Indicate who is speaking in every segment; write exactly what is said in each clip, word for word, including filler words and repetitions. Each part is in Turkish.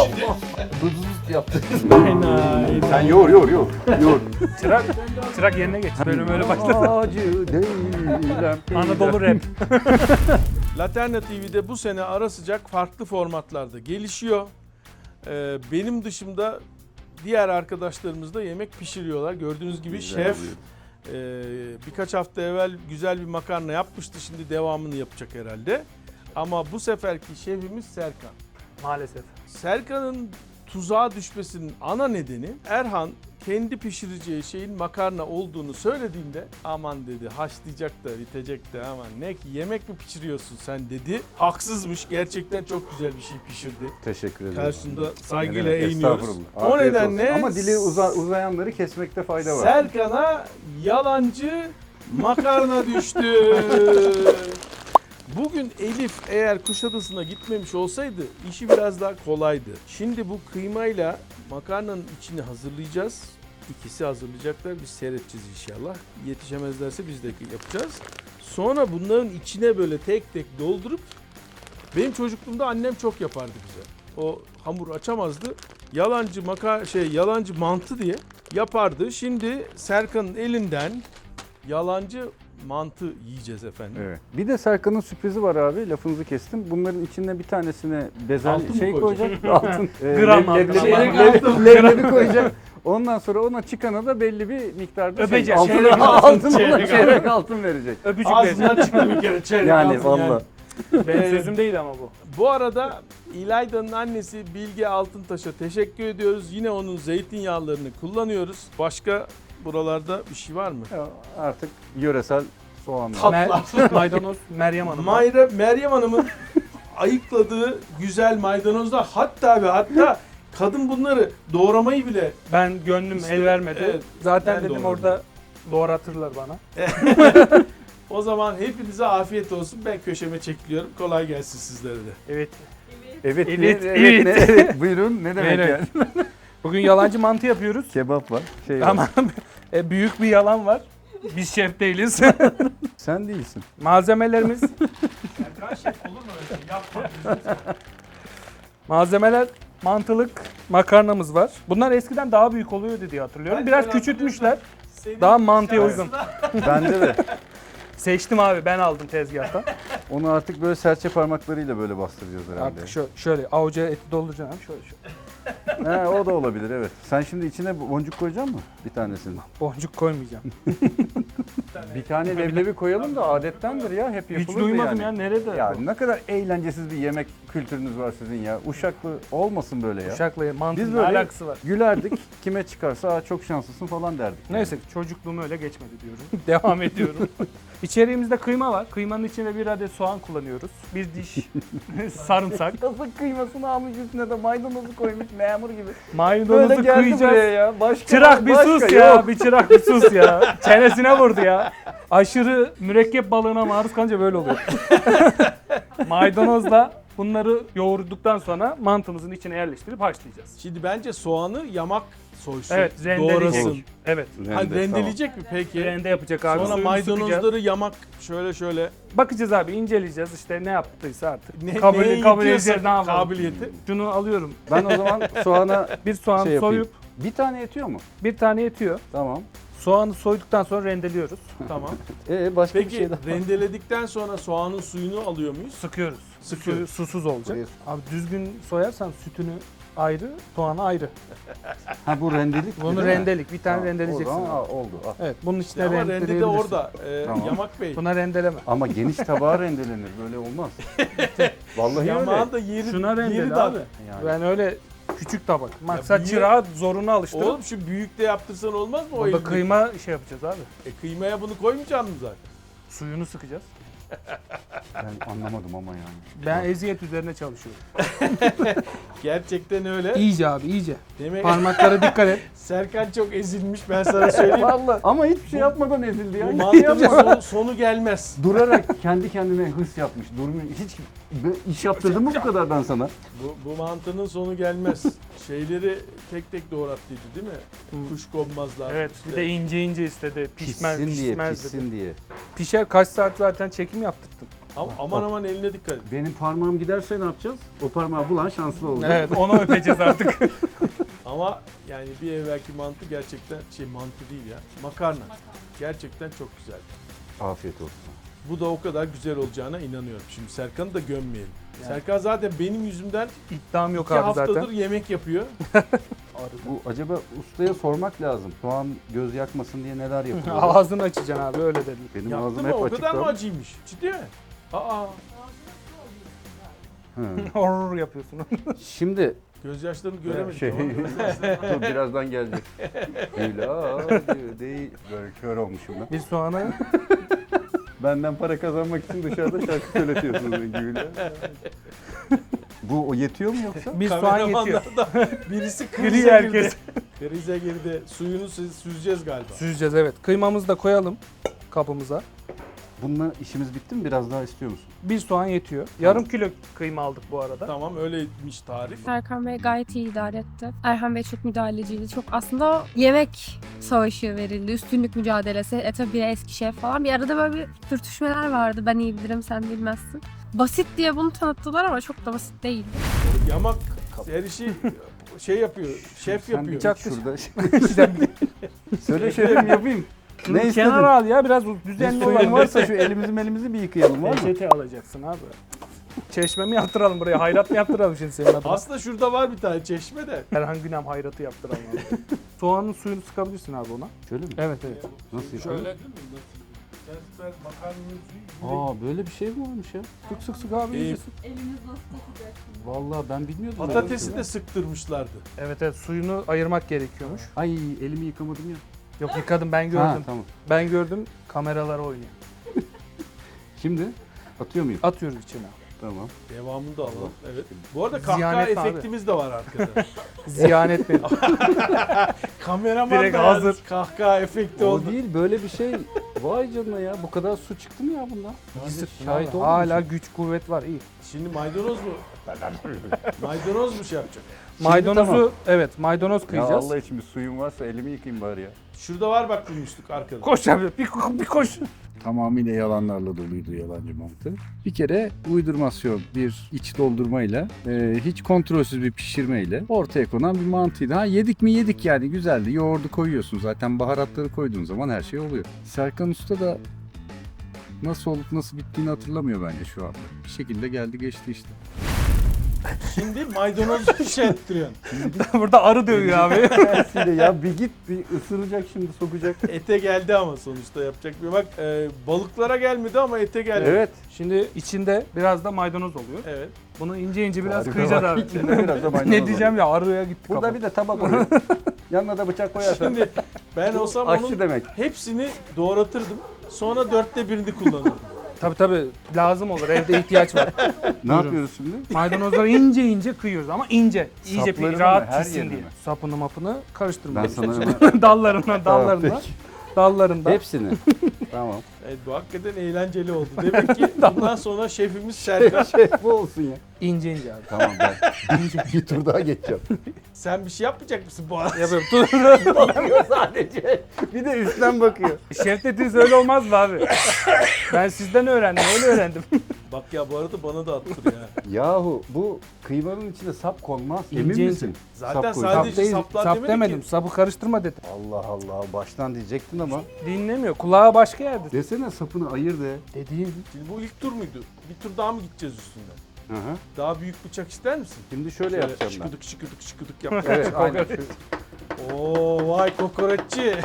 Speaker 1: Allah! Bızız yaptı.
Speaker 2: Aynen.
Speaker 1: Sen yoğur yoğur yoğur. Yoğur.
Speaker 2: Çırak, çırak yerine geç. Bölüm öyle başladı.
Speaker 1: Acı değilim.
Speaker 2: Anadolu rap.
Speaker 3: Laterna T V'de bu sene ara sıcak farklı formatlarda gelişiyor. Ee, benim dışımda diğer arkadaşlarımız da yemek pişiriyorlar. Gördüğünüz gibi
Speaker 1: Güzel
Speaker 3: şef
Speaker 1: oluyor.
Speaker 3: e, birkaç hafta evvel güzel bir makarna yapmıştı. Şimdi devamını yapacak herhalde. Ama bu seferki şefimiz Serkan.
Speaker 2: Maalesef.
Speaker 3: Serkan'ın tuzağa düşmesinin ana nedeni Erhan kendi pişireceği şeyin makarna olduğunu söylediğinde aman dedi haşlayacak da bitecek de aman ne ki yemek mi pişiriyorsun sen dedi. Haksızmış, gerçekten çok güzel bir şey pişirdi.
Speaker 1: Teşekkür ederim.
Speaker 3: Karşında saygıyla
Speaker 1: Ne demek,
Speaker 3: eğiniyoruz.
Speaker 1: estağfurullah.
Speaker 3: O
Speaker 1: Afiyet
Speaker 3: nedenle
Speaker 1: olsun. Ama dili uza, uzayanları kesmekte fayda var.
Speaker 3: Serkan'a yalancı makarna düştü. Bugün Elif eğer Kuşadası'na gitmemiş olsaydı işi biraz daha kolaydı. Şimdi bu kıymayla makarnanın içini hazırlayacağız. İkisi hazırlayacaklar. Biz seyredeceğiz inşallah. Yetişemezlerse biz de yapacağız. Sonra bunların içine böyle tek tek doldurup benim çocukluğumda annem çok yapardı bize. O hamur açamazdı. Yalancı maka şey yalancı mantı diye yapardı. Şimdi Serkan'ın elinden yalancı mantı yiyeceğiz efendim.
Speaker 1: Evet. Bir de Serkan'ın sürprizi var abi. Lafınızı kestim. Bunların içine bir tanesine bezel
Speaker 3: Altın mı
Speaker 1: şey
Speaker 3: koyacak?
Speaker 1: koyacak. Altın. e,
Speaker 2: Gram
Speaker 1: leb-
Speaker 2: altın.
Speaker 1: leblebi-
Speaker 2: Çeyrek
Speaker 1: leblebi-
Speaker 3: altın.
Speaker 1: leblebi koyacak. Ondan sonra ona çıkana da belli bir miktarda
Speaker 2: Öpecek.
Speaker 1: şey, altın,
Speaker 2: Çeyrek
Speaker 1: altın,
Speaker 2: altın,
Speaker 1: ona
Speaker 2: çeyrek
Speaker 1: çeyrek altın verecek.
Speaker 2: Öpücük verecek.
Speaker 3: Ağzından çıktı bir kere çeyrek
Speaker 1: Yani
Speaker 3: altın
Speaker 1: valla.
Speaker 2: Benim sözüm değil ama bu.
Speaker 3: Bu arada İlayda'nın annesi Bilge Altıntaş'a teşekkür ediyoruz. Yine onun zeytinyağlarını kullanıyoruz. Başka buralarda bir şey var mı?
Speaker 1: Ya artık yöresel soğanlar.
Speaker 3: Tat-
Speaker 2: Mer- maydanoz Meryem Hanım.
Speaker 3: Mayra, Meryem Hanım'ın ayıkladığı güzel maydanozlar, hatta ve hatta kadın bunları doğramayı bile
Speaker 2: Ben gönlüm
Speaker 3: İşte,
Speaker 2: el vermedi.
Speaker 3: evet,
Speaker 2: Zaten
Speaker 3: ben
Speaker 2: dedim
Speaker 3: doğradım.
Speaker 2: orada doğratırlar bana.
Speaker 3: o zaman hepinize afiyet olsun. Ben köşeme çekiliyorum. Kolay gelsin sizlere de.
Speaker 2: Evet.
Speaker 1: Evet,
Speaker 2: Evet,
Speaker 1: ne-
Speaker 2: evet.
Speaker 1: ne- evet. Buyurun ne demek
Speaker 2: Evet.
Speaker 1: yani?
Speaker 2: Bugün yalancı mantı yapıyoruz.
Speaker 1: Kebap var. Şey var.
Speaker 2: Ama e, büyük bir yalan var. Biz şef değiliz.
Speaker 1: Sen değilsin.
Speaker 2: Malzemelerimiz
Speaker 3: Serkan şef olur mu öyle şey? Yapma.
Speaker 2: malzemeler mantılık makarnamız var. Bunlar eskiden daha büyük oluyordu diye hatırlıyorum.
Speaker 3: Ben-
Speaker 2: Biraz
Speaker 3: ben
Speaker 2: küçültmüşler.
Speaker 3: Senin
Speaker 2: Daha mantıya
Speaker 3: şansına-
Speaker 2: uygun.
Speaker 1: Bende de.
Speaker 2: Seçtim abi, ben aldım tezgahtan.
Speaker 1: Onu artık böyle serçe parmaklarıyla böyle bastıracağız herhalde.
Speaker 2: Artık şöyle, şöyle avuca eti dolduracaksın abi, şöyle şöyle.
Speaker 1: He, o da olabilir evet. Sen şimdi içine boncuk koyacak mısın bir tanesini?
Speaker 2: Boncuk koymayacağım.
Speaker 1: Bir tane leblebi koyalım da adettendir ya, hep yapılır
Speaker 2: Hiç duymadım
Speaker 1: yani.
Speaker 2: ya, nerede?
Speaker 1: Ya ne kadar eğlencesiz bir yemek kültürünüz var sizin ya. Uşaklı olmasın böyle ya.
Speaker 2: Uşakla mantının
Speaker 1: Biz
Speaker 2: ne
Speaker 1: böyle
Speaker 2: alakası var?
Speaker 1: gülerdik, kime çıkarsa "Aa, çok şanslısın" falan derdik. yani.
Speaker 2: Neyse, çocukluğum öyle geçmedi diyorum. Devam ediyorum. İçeriğimizde kıyma var. Kıymanın içine bir adet soğan kullanıyoruz. Bir diş sarımsak.
Speaker 1: Nasıl kıymasını almış üstüne de maydanozu koymuş memur gibi.
Speaker 2: Maydanozu
Speaker 1: Böyle geldi buraya
Speaker 2: kıyacağız.
Speaker 1: ya. Başka,
Speaker 2: Çırak bir
Speaker 1: başka
Speaker 2: sus
Speaker 1: yok.
Speaker 2: ya. Bir çırak bir sus ya. Çenesine vurdu ya. Aşırı mürekkep balığına maruz kalınca böyle oluyor. Maydanozla bunları yoğurduktan sonra mantımızın içine yerleştirip haşlayacağız.
Speaker 3: Şimdi bence soğanı yamak soysun.
Speaker 2: Evet, rendeleyecek.
Speaker 3: Doğrasın.
Speaker 2: Evet.
Speaker 3: Ha,
Speaker 1: Rende,
Speaker 3: rendeleyecek mi peki?
Speaker 2: Rende yapacak abi.
Speaker 3: Sonra
Speaker 2: Suyunu sıkacağız.
Speaker 3: maydanozları yamak şöyle şöyle.
Speaker 2: Bakacağız abi, inceleyeceğiz işte ne yaptıysa artık.
Speaker 3: Ne,
Speaker 2: kabul
Speaker 3: neye
Speaker 2: kabul
Speaker 3: yetiyorsa
Speaker 2: edeceğiz, ne yapalım.
Speaker 3: kabiliyeti.
Speaker 2: Şunu alıyorum.
Speaker 1: Ben o zaman soğana
Speaker 2: Bir soğan
Speaker 1: şey yapayım.
Speaker 2: soyup
Speaker 1: Bir tane yetiyor mu?
Speaker 2: bir tane yetiyor.
Speaker 1: Tamam.
Speaker 2: Soğanı soyduktan sonra rendeliyoruz.
Speaker 3: Tamam.
Speaker 1: Ee başka
Speaker 3: Peki
Speaker 1: bir şey daha.
Speaker 3: rendeledikten sonra soğanın suyunu alıyor muyuz?
Speaker 2: Sıkıyoruz.
Speaker 3: Sıkıyoruz.
Speaker 2: Suyu susuz olacak.
Speaker 1: Buraya-
Speaker 2: Abi düzgün soyarsan sütünü ayrı, soğanı ayrı.
Speaker 1: Ha bu rendelik.
Speaker 2: Bunu
Speaker 1: değil mi?
Speaker 2: rendelik, bir tane
Speaker 1: Tamam,
Speaker 2: rendeleyeceksin.
Speaker 1: o zaman,
Speaker 2: abi.
Speaker 1: aa, oldu. al.
Speaker 2: Evet, bunun içine
Speaker 3: Ama rende de
Speaker 2: rendeleyebilirsin.
Speaker 3: orada. Ee,
Speaker 1: Tamam.
Speaker 3: Yamak Bey.
Speaker 2: Buna rendeleme.
Speaker 1: Ama geniş tabağa rendelenir. Böyle olmaz. Vallahi
Speaker 3: Yamağın
Speaker 1: öyle.
Speaker 3: da yeri,
Speaker 2: Şuna
Speaker 3: yeri
Speaker 2: rendele
Speaker 3: dar.
Speaker 2: abi.
Speaker 1: Yani.
Speaker 2: Ben öyle küçük tabak. Maksat
Speaker 3: büyüğe-
Speaker 2: çırağı zoruna alıştırıp
Speaker 3: Oğlum şu büyükte yaptırsan olmaz mı o
Speaker 2: burada
Speaker 3: elini?
Speaker 2: kıyma şey yapacağız abi.
Speaker 3: E, kıymaya bunu koymayacak mısın zaten?
Speaker 2: Suyunu sıkacağız.
Speaker 1: Ben anlamadım ama yani.
Speaker 2: Ben eziyet üzerine çalışıyorum.
Speaker 3: Gerçekten öyle.
Speaker 2: İyice abi, iyice.
Speaker 3: Demek
Speaker 2: Parmaklara dikkat et.
Speaker 3: Serkan çok ezilmiş, ben sana söyleyeyim.
Speaker 1: Vallahi. Ama hiçbir şey yapmadan ezildi ya.
Speaker 3: Bu
Speaker 1: Hiç şey
Speaker 3: mantığın
Speaker 1: yapmadan.
Speaker 3: sonu, sonu gelmez.
Speaker 1: Durarak kendi kendine hırs yapmış. Durmuyor. Hiç bir iş yaptırdım mı bu kadar ben sana?
Speaker 3: Bu, bu mantının sonu gelmez. Şeyleri tek tek doğrattıydı değil mi? Kuşkonmazlar.
Speaker 2: Evet, bir de ince ince istedi. Pişmez,
Speaker 1: Pişsin diye,
Speaker 2: pişmez dedi.
Speaker 1: pişsin diye.
Speaker 2: Pişer, kaç saat zaten çekim yaptırdım.
Speaker 3: Ama aman aman eline dikkat et.
Speaker 1: Benim parmağım giderse ne yapacağız? O parmağı bulan şanslı olacak.
Speaker 2: Evet, onu öpeceğiz artık.
Speaker 3: Ama yani bir evvelki mantı gerçekten şey mantı değil ya. Makarna. Gerçekten çok güzel.
Speaker 1: Afiyet olsun. Bu
Speaker 3: Bu da o kadar güzel olacağına inanıyorum. Şimdi Serkan'ı da gömmeyelim.
Speaker 2: Yani.
Speaker 3: Serkan zaten benim yüzümden
Speaker 2: İddiam yok
Speaker 3: iki
Speaker 2: abi
Speaker 3: haftadır
Speaker 2: zaten.
Speaker 3: yemek yapıyor.
Speaker 1: Bu acaba ustaya sormak lazım. Soğan göz yakmasın diye neler yapıyor?
Speaker 2: Ağzını açacaksın abi, öyle dedim.
Speaker 1: Benim
Speaker 3: Yaptı
Speaker 1: ağzım
Speaker 3: mı?
Speaker 1: hep
Speaker 3: O
Speaker 1: açık.
Speaker 3: kadar mı
Speaker 1: lan.
Speaker 3: acıymış? Ciddi mi? Aa,
Speaker 1: Hı.
Speaker 2: Horror yapıyorsun.
Speaker 1: Şimdi
Speaker 3: gözyaşlarını göremedik
Speaker 1: şey,
Speaker 3: ama.
Speaker 1: dur birazdan gelecek. Hülya diyor, değil. Böyle kör olmuşum ben.
Speaker 2: Bir soğanı
Speaker 1: Benden para kazanmak için dışarıda şarkı söyletiyorsunuz Hülya. Bu o yetiyor mu yoksa?
Speaker 2: bir soğan yetiyor.
Speaker 3: Kameramanlardan birisi
Speaker 2: Gri
Speaker 3: krize
Speaker 2: herkes.
Speaker 3: girdi. Krize girdi. Suyunu sü- süzeceğiz galiba.
Speaker 2: Süzeceğiz, evet. Kıymamızı da koyalım kabımıza.
Speaker 1: Bununla işimiz bitti mi? Biraz daha istiyor musun?
Speaker 2: Bir soğan yetiyor. Yarım kilo kıyma aldık bu arada.
Speaker 3: Tamam öyleymiş tarif.
Speaker 4: Serkan Bey gayet iyi idare etti. Erhan Bey çok müdahaleciydi. Çok aslında yemek savaşı verildi. Üstünlük mücadelesi. E tabi biri eski şef falan. Bir arada böyle bir sürtüşmeler vardı. Ben iyi bilirim, sen bilmezsin. Basit diye bunu tanıttılar ama çok da basit değildi.
Speaker 3: Yamak her işi şey yapıyor. Şef
Speaker 1: Sen
Speaker 3: yapıyor.
Speaker 1: bir
Speaker 2: Bıçak
Speaker 1: şurada.
Speaker 2: Sen
Speaker 1: Söyle şefim yapayım.
Speaker 2: şunu
Speaker 1: Ne istedin?
Speaker 2: kenara al ya, biraz
Speaker 1: Bir
Speaker 2: düzenli
Speaker 1: suyun
Speaker 2: olan varsa.
Speaker 1: varsa şu elimizi melimizi bir yıkayalım var mı?
Speaker 2: Peçete alacaksın abi. Çeşme mi yaptıralım buraya? Hayrat mı yaptıralım şimdi senin adına?
Speaker 3: Aslında şurada var bir tane çeşme de.
Speaker 2: Erhan Günem hayratı yaptıralım abi. Soğanın suyunu sıkabilirsin abi ona.
Speaker 1: Şöyle mi?
Speaker 2: Evet evet.
Speaker 1: Nasıl yapalım?
Speaker 3: Şöyle değil mi? Sen makarnanın
Speaker 1: Aa böyle bir şey mi varmış ya?
Speaker 2: Sık sık sık abi.
Speaker 3: Ee,
Speaker 2: iyice sık.
Speaker 1: Vallahi ben bilmiyordum. böyle bir
Speaker 3: Patatesi
Speaker 1: şey.
Speaker 3: de sıktırmışlardı.
Speaker 2: Evet evet, suyunu ayırmak gerekiyormuş.
Speaker 1: Ay elimi yıkamadım ya.
Speaker 2: Yok yıkadım, ben gördüm.
Speaker 1: Ha, tamam.
Speaker 2: Ben gördüm, kameralar oynuyor.
Speaker 1: Şimdi atıyor muyum?
Speaker 2: Atıyoruz içine.
Speaker 1: Tamam.
Speaker 3: Devamını da alalım. Evet. Bu arada
Speaker 2: Ziyanet
Speaker 3: kahkaha
Speaker 2: mi abi?
Speaker 3: efektimiz de var arkada.
Speaker 2: Ziyan etmeyin.
Speaker 3: Kameraman
Speaker 2: Direkt
Speaker 3: da
Speaker 2: hazır.
Speaker 3: hazır. Kahkaha efekti
Speaker 1: O
Speaker 3: oldu.
Speaker 1: değil böyle bir şey. Vay canına ya bu kadar su çıktı mı ya bundan? Şahit oldun mu
Speaker 2: Hala
Speaker 1: sen?
Speaker 2: güç kuvvet var, iyi.
Speaker 3: Şimdi maydanoz mu? maydanoz mu şey yapacak?
Speaker 2: Maydanozu
Speaker 1: tamam.
Speaker 2: evet, maydanoz
Speaker 1: Ya
Speaker 2: kıyacağız.
Speaker 1: Allah için bir suyum varsa elimi yıkayayım bari ya.
Speaker 3: Şurada var bak bulmuştuk arkada.
Speaker 2: Koş abi, bir, bir koş.
Speaker 1: Tamamıyla yalanlarla doluydu yalancı mantı. Bir kere uydurmasyon bir iç doldurmayla e, hiç kontrolsüz bir pişirmeyle ortaya konan bir mantıydı. Ha yedik mi yedik yani güzeldi. Yoğurdu koyuyorsun zaten baharatları koyduğun zaman her şey oluyor. Serkan Usta da nasıl olup nasıl bittiğini hatırlamıyor bence şu anda. Bir şekilde geldi geçti işte.
Speaker 3: Şimdi maydanozu şey ettiriyorsun.
Speaker 2: Burada arı dövüyor abi.
Speaker 1: ya bir git bir ısıracak şimdi sokacak.
Speaker 3: Ete geldi ama sonuçta yapacak bir bak. E, balıklara gelmedi ama ete geldi.
Speaker 1: Evet.
Speaker 2: Şimdi içinde biraz da maydanoz oluyor.
Speaker 3: Evet.
Speaker 2: Bunu ince ince biraz
Speaker 1: Tarife
Speaker 2: kıyacağız
Speaker 1: bak,
Speaker 2: abi.
Speaker 1: içinde biraz da maydanoz
Speaker 2: Ne diyeceğim ya, arıya gitti
Speaker 1: Burada
Speaker 2: kafa.
Speaker 1: bir de tabak oluyor. Yanına da bıçak koyarsan.
Speaker 3: Şimdi ben olsam
Speaker 1: aşçı
Speaker 3: onun
Speaker 1: demek.
Speaker 3: hepsini doğratırdım. Sonra dörtte birini kullanırdım.
Speaker 2: Tabii tabii, lazım olur, evde ihtiyaç var.
Speaker 1: Ne yapıyoruz şimdi?
Speaker 2: Maydanozları ince ince kıyıyoruz ama ince. İyice
Speaker 1: Saplarını
Speaker 2: bir
Speaker 1: mı,
Speaker 2: rahat
Speaker 1: her
Speaker 2: pişsin
Speaker 1: yerini
Speaker 2: diye.
Speaker 1: mi?
Speaker 2: Sapını mapını
Speaker 1: Ben
Speaker 2: karıştırmayalım.
Speaker 1: sana hemen...
Speaker 2: dallarından dallarından.
Speaker 1: peki.
Speaker 2: Dallarından.
Speaker 1: Hepsini. Tamam.
Speaker 3: Evet bu hakikaten eğlenceli oldu. Demek ki bundan sonra şefimiz Serkan.
Speaker 1: Şey bu olsun ya.
Speaker 2: İnce ince abi.
Speaker 1: Tamam ben bir tur daha geçeceğim.
Speaker 3: Sen bir şey yapmayacak mısın bu arada?
Speaker 2: Yapıyorum. Dur.
Speaker 1: Bakıyor sadece. Bir de üstten bakıyor.
Speaker 2: Şef dediğiniz öyle olmaz mı abi? Ben sizden öğrendim, öyle öğrendim.
Speaker 3: Bak ya bu arada bana da attır ya.
Speaker 1: Yahu bu kıymanın içine sap konmaz.
Speaker 2: İnce
Speaker 1: Emin
Speaker 2: ince.
Speaker 1: misin?
Speaker 3: Zaten
Speaker 1: Sap koy.
Speaker 3: sadece
Speaker 2: Sap değil,
Speaker 3: saplar
Speaker 2: sap
Speaker 3: demedik
Speaker 2: demedim.
Speaker 3: ki.
Speaker 2: Sapı karıştırma dedim.
Speaker 1: Allah Allah baştan diyecektin ama.
Speaker 2: Dinlemiyor. Kulağı başka yerde.
Speaker 1: Desene sapını ayır de.
Speaker 2: Dediğim.
Speaker 3: Şimdi bu ilk tur muydu? Bir tur daha mı gideceğiz üstünden?
Speaker 1: Hı hı.
Speaker 3: Daha büyük bıçak ister misin?
Speaker 1: Şimdi şöyle yapacağım ben.
Speaker 3: şıkıdık şıkıdık şıkıdık yap.
Speaker 1: Evet aynen.
Speaker 3: Oo vay kokoreççi.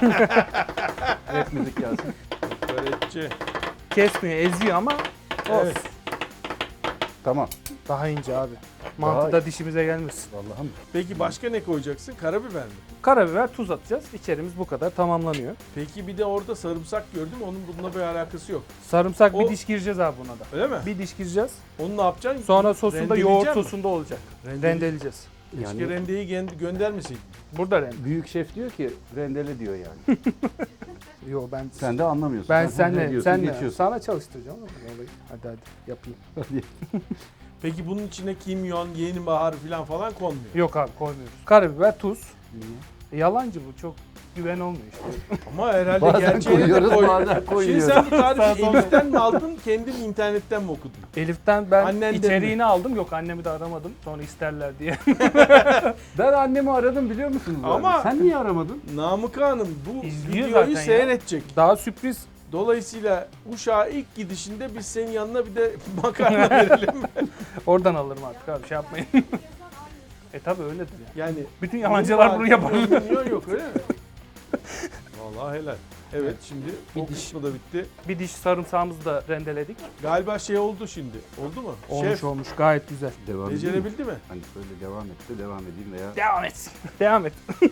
Speaker 1: Evet müzik gelsin.
Speaker 3: Kokoreççi.
Speaker 2: Kesmiyor, eziyor ama olsun.
Speaker 3: Evet.
Speaker 1: Tamam.
Speaker 2: Daha ince abi. Mantıda dişimize gelmesin.
Speaker 1: Vallahi mi?
Speaker 3: Peki başka ne koyacaksın? Karabiber mi?
Speaker 2: Karabiber, tuz atacağız. İçerimiz bu kadar tamamlanıyor.
Speaker 3: Peki bir de orada sarımsak gördüm. Onun bununla bir alakası yok.
Speaker 2: Sarımsak
Speaker 3: O-
Speaker 2: bir diş gireceğiz abi buna da.
Speaker 3: Öyle mi?
Speaker 2: Bir diş gireceğiz.
Speaker 3: Onu ne yapacaksın?
Speaker 2: Sonra sosunda
Speaker 3: Rendeleyecek
Speaker 2: yoğurt
Speaker 3: mi?
Speaker 2: sosunda olacak.
Speaker 3: Rendele-
Speaker 2: Rendeleyeceğiz.
Speaker 3: Keşke
Speaker 1: Yani
Speaker 3: rendeyi gö- göndermeseydin.
Speaker 2: Burada rende.
Speaker 1: büyük şef diyor ki rendele diyor yani.
Speaker 2: Yo ben
Speaker 1: Sen de anlamıyorsun.
Speaker 2: ben
Speaker 1: Ne
Speaker 2: senle
Speaker 1: diyorsun,
Speaker 2: senle
Speaker 1: geçiyorsun.
Speaker 2: sana çalıştıracağım ama olayı. Hadi hadi yapayım.
Speaker 3: Peki bunun içine kimyon, yeni bahar falan falan konmuyor.
Speaker 2: Yok abi, koymuyoruz. Karabiber, tuz. E, yalancı bu çok. güven olmuyor işte.
Speaker 3: Ama herhalde
Speaker 1: Bazen
Speaker 3: gerçeğini de
Speaker 1: koyuyoruz,
Speaker 3: koy.
Speaker 1: bazen
Speaker 3: Şimdi
Speaker 1: koyuyoruz.
Speaker 3: sen bu
Speaker 2: Sağ
Speaker 3: tarifi
Speaker 2: sol.
Speaker 3: Elif'ten mi aldın, kendin internetten mi okudun?
Speaker 2: Elif'ten ben
Speaker 3: Annenden
Speaker 2: içeriğini aldım. Yok annemi de aramadım. Sonra isterler diye.
Speaker 1: Ben annemi aradım biliyor musunuz? abi?
Speaker 3: Ama-
Speaker 1: Sen niye aramadın?
Speaker 3: Namık Hanım bu
Speaker 2: İzliyor
Speaker 3: videoyu
Speaker 2: zaten ya.
Speaker 3: seyredecek.
Speaker 2: Daha sürpriz.
Speaker 3: Dolayısıyla Uşak'a ilk gidişinde biz senin yanına bir de makarna verelim.
Speaker 2: Oradan alırım artık abi şey yapmayın. E tabi öyledir yani.
Speaker 3: Yani
Speaker 2: Bütün yalancılar bunu yapar.
Speaker 3: Yok yok öyle mi? Vallahi helal. Evet şimdi
Speaker 2: Bir
Speaker 3: o
Speaker 2: diş.
Speaker 3: kısmı da bitti.
Speaker 2: Bir diş sarımsağımızı da rendeledik.
Speaker 3: Galiba şey oldu şimdi. Oldu mu?
Speaker 2: Olmuş
Speaker 3: Şef
Speaker 2: olmuş gayet güzel.
Speaker 1: Devam edeyim mi?
Speaker 3: becerebildi mi?
Speaker 1: Hani böyle devam etti, devam edeyim veya...
Speaker 2: Devam et. Devam et.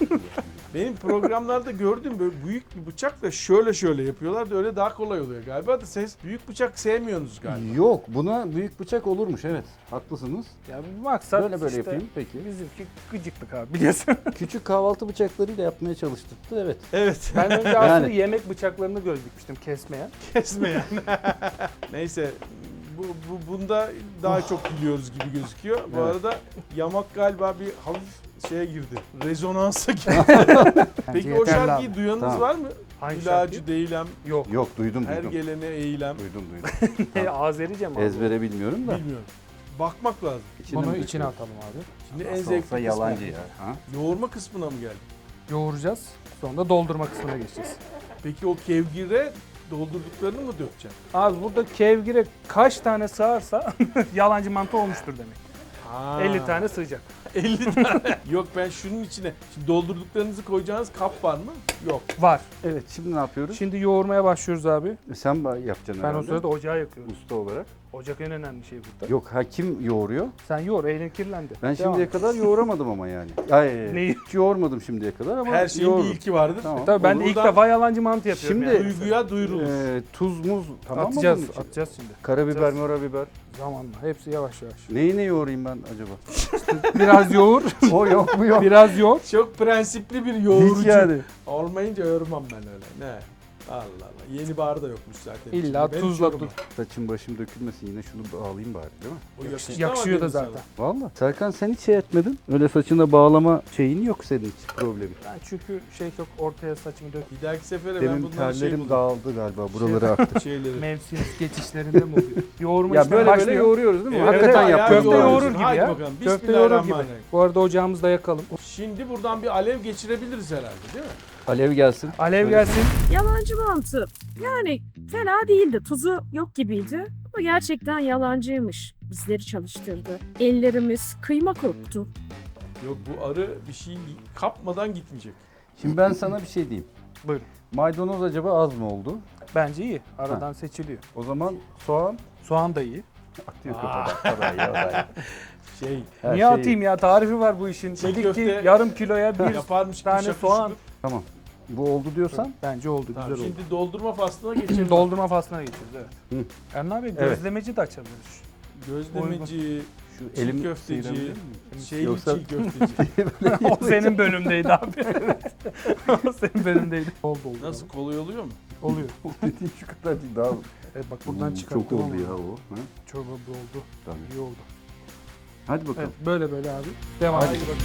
Speaker 3: Benim programlarda gördüğüm böyle büyük bir bıçakla şöyle şöyle yapıyorlar da öyle daha kolay oluyor galiba da siz büyük bıçak sevmiyorsunuz galiba.
Speaker 1: Yok, buna büyük bıçak olurmuş, evet. Haklısınız.
Speaker 2: Ya bir maksat
Speaker 1: Böyle böyle
Speaker 2: işte
Speaker 1: yapayım, peki.
Speaker 2: bizimki gıcıklık abi biliyorsun.
Speaker 1: Küçük kahvaltı bıçaklarıyla yapmaya çalıştırdı, evet.
Speaker 3: Evet.
Speaker 2: Ben önce aslında
Speaker 1: Yani.
Speaker 2: yemek bıçaklarını göz dikmiştim kesmeyen.
Speaker 3: Kesme yani. Neyse bu, bu bunda daha çok biliyoruz gibi gözüküyor. Bu
Speaker 1: Evet.
Speaker 3: arada yamak galiba bir hafif şeye girdi. Rezonansa girdi.
Speaker 2: Bence
Speaker 3: Peki o
Speaker 2: yeterli
Speaker 3: şarkıyı
Speaker 2: abi.
Speaker 3: duyanınız
Speaker 1: Tamam.
Speaker 3: var mı?
Speaker 2: Hangi
Speaker 3: İlacı
Speaker 2: şarkı?
Speaker 3: değilem,
Speaker 2: Yok.
Speaker 1: Yok, duydum,
Speaker 3: her
Speaker 1: duydum.
Speaker 3: gelene eğilem.
Speaker 1: Duydum, duydum.
Speaker 2: E, Azerice mi abi?
Speaker 1: Ezbere bilmiyorum da.
Speaker 3: Bilmiyorum. Bakmak lazım.
Speaker 1: İçine
Speaker 2: Bunu
Speaker 1: mi
Speaker 2: içine
Speaker 1: döküyoruz?
Speaker 2: atalım abi.
Speaker 3: Şimdi en
Speaker 1: Nasıl
Speaker 3: zevkli
Speaker 1: olsa
Speaker 3: kısmı.
Speaker 1: yalancı ya. Ha?
Speaker 3: Yoğurma kısmına mı geldik?
Speaker 2: Yoğuracağız. Sonra da doldurma kısmına geçeceğiz.
Speaker 3: Peki o kevgire doldurduklarını mı dökeceksin?
Speaker 2: Abi burada kevgire kaç tane sığarsa yalancı mantı olmuştur demek.
Speaker 3: Ha.
Speaker 2: elli tane sığacak.
Speaker 3: elli tane. Yok ben şunun içine. Şimdi doldurduklarınızı koyacağınız kap var mı? Yok.
Speaker 2: Var.
Speaker 1: Evet, şimdi ne yapıyoruz?
Speaker 2: Şimdi yoğurmaya başlıyoruz abi.
Speaker 1: Sen ba- yapacaksın
Speaker 2: Ben
Speaker 1: herhalde.
Speaker 2: o sırada ocağı yakıyorum.
Speaker 1: Usta olarak.
Speaker 2: Ocak en önemli şey burada.
Speaker 1: Yok, ha kim yoğuruyor?
Speaker 2: Sen yoğur, elin kirlendi.
Speaker 1: Ben
Speaker 2: Devam.
Speaker 1: şimdiye kadar yoğuramadım ama yani. Ay,
Speaker 2: Neyi?
Speaker 1: hiç yoğurmadım şimdiye kadar ama
Speaker 3: Her şeyin
Speaker 1: yoğurdum.
Speaker 3: bir ilki vardır.
Speaker 1: Tamam.
Speaker 2: Tabii ben de ilk
Speaker 3: Buradan-
Speaker 2: defa yalancı mantı yapıyorum
Speaker 1: Şimdi-
Speaker 2: yani.
Speaker 3: Duyguya duyurulur.
Speaker 1: Ee, tuz, muz tamam
Speaker 2: atacağız,
Speaker 1: mı bunun için?
Speaker 2: atacağız şimdi.
Speaker 1: Karabiber,
Speaker 2: Atacağız.
Speaker 1: morabiber.
Speaker 2: Zamanla. Hepsi yavaş yavaş.
Speaker 1: Neyi ne yoğurayım ben acaba?
Speaker 2: Biraz yoğur,
Speaker 1: O yok mu yok?
Speaker 2: biraz yoğur.
Speaker 3: Çok prensipli bir yoğurucu.
Speaker 1: Hiç yani.
Speaker 3: Olmayınca yormam ben öyle. Ne? Allah Allah. Yeni bar da yokmuş zaten.
Speaker 2: İlla
Speaker 3: içinde. Ben
Speaker 2: tuzla
Speaker 3: hiç
Speaker 2: dur.
Speaker 3: yormam.
Speaker 1: Saçım başım dökülmesin, yine şunu bağlayayım bari değil mi?
Speaker 3: O yakıştı
Speaker 2: Yakışıyor
Speaker 3: ama
Speaker 2: da
Speaker 3: dedim
Speaker 2: zaten.
Speaker 1: Valla. Serkan sen hiç şey etmedin. Öyle saçına bağlama şeyin yok senin hiç problemin.
Speaker 2: Ben çünkü şey çok ortaya saçımı dök.
Speaker 3: sana. Bir dahaki sefere ben
Speaker 1: Benim
Speaker 3: bundan şey
Speaker 1: terlerim
Speaker 3: buldum.
Speaker 1: dağıldı galiba, buraları aktı.
Speaker 3: Şeyleri.
Speaker 2: Mevsim geçişlerinde mi oluyor? Yoğurma
Speaker 1: Ya
Speaker 2: işlemi
Speaker 1: böyle böyle
Speaker 2: başlıyor.
Speaker 1: yoğuruyoruz değil mi?
Speaker 3: Evet,
Speaker 1: Hakikaten
Speaker 3: evet,
Speaker 1: yaptım.
Speaker 2: Köfte
Speaker 3: yoğuruyorsun.
Speaker 2: yoğurur gibi
Speaker 3: Haydi
Speaker 2: ya.
Speaker 3: bakalım.
Speaker 2: Köfte yoğurur gibi.
Speaker 3: Bismillahirrahmanirrahim.
Speaker 2: Bu arada ocağımızı da yakalım.
Speaker 3: Şimdi buradan bir alev geçirebiliriz herhalde değil mi?
Speaker 1: Alev gelsin.
Speaker 2: Alev gelsin.
Speaker 5: Yalancı mantı. Yani fena değildi. Tuzu yok gibiydi. Ama gerçekten yalancıymış. Bizleri çalıştırdı. Ellerimiz kıyma koktu.
Speaker 3: Yok bu arı bir şey kapmadan gitmeyecek.
Speaker 1: Şimdi ben sana bir şey diyeyim.
Speaker 2: Buyurun.
Speaker 1: Maydanoz acaba az mı oldu?
Speaker 2: Bence iyi. Aradan seçiliyor.
Speaker 1: O zaman soğan
Speaker 2: Soğan da iyi.
Speaker 1: atıyor kafadan. O da iyi, o da iyi.
Speaker 3: Şey
Speaker 1: Her
Speaker 2: Niye
Speaker 1: şey
Speaker 2: atayım ya? Tarifi var bu işin.
Speaker 3: Çiğ
Speaker 2: Dedik
Speaker 3: köfte
Speaker 2: ki yarım kiloya bir
Speaker 3: yaparmış gibi
Speaker 2: tane
Speaker 3: şakır
Speaker 2: soğan.
Speaker 3: şukur.
Speaker 1: Tamam. Bu oldu diyorsan
Speaker 2: Bence oldu.
Speaker 3: Tamam,
Speaker 2: güzel oldu.
Speaker 3: şimdi doldurma faslına geçelim.
Speaker 2: Doldurma faslına geçiyoruz evet.
Speaker 1: Hı.
Speaker 2: Erna abi
Speaker 1: Evet.
Speaker 2: gözlemeci de açabiliriz.
Speaker 3: Gözlemeci,
Speaker 1: şu
Speaker 3: çiğ
Speaker 1: elim
Speaker 3: köfteci,
Speaker 1: sıyırabilir miyim?
Speaker 3: şeyli
Speaker 1: Yoksa-
Speaker 3: çiğ köfteci.
Speaker 2: O senin bölümdeydi abi. O senin bölümdeydi. Oldu oldu.
Speaker 3: Nasıl kolay oluyor mu?
Speaker 2: Oluyor.
Speaker 1: Dediğin şu kadar değil daha.
Speaker 2: Evet bak buradan
Speaker 1: Hmm,
Speaker 2: çıkarttım.
Speaker 1: Çok oldu
Speaker 2: ama.
Speaker 1: ya o. Ha?
Speaker 2: Çorba bu oldu.
Speaker 1: Tabii.
Speaker 2: İyi oldu.
Speaker 1: Hadi bakalım.
Speaker 2: Evet böyle böyle abi. Devam
Speaker 1: Hadi.
Speaker 2: edelim.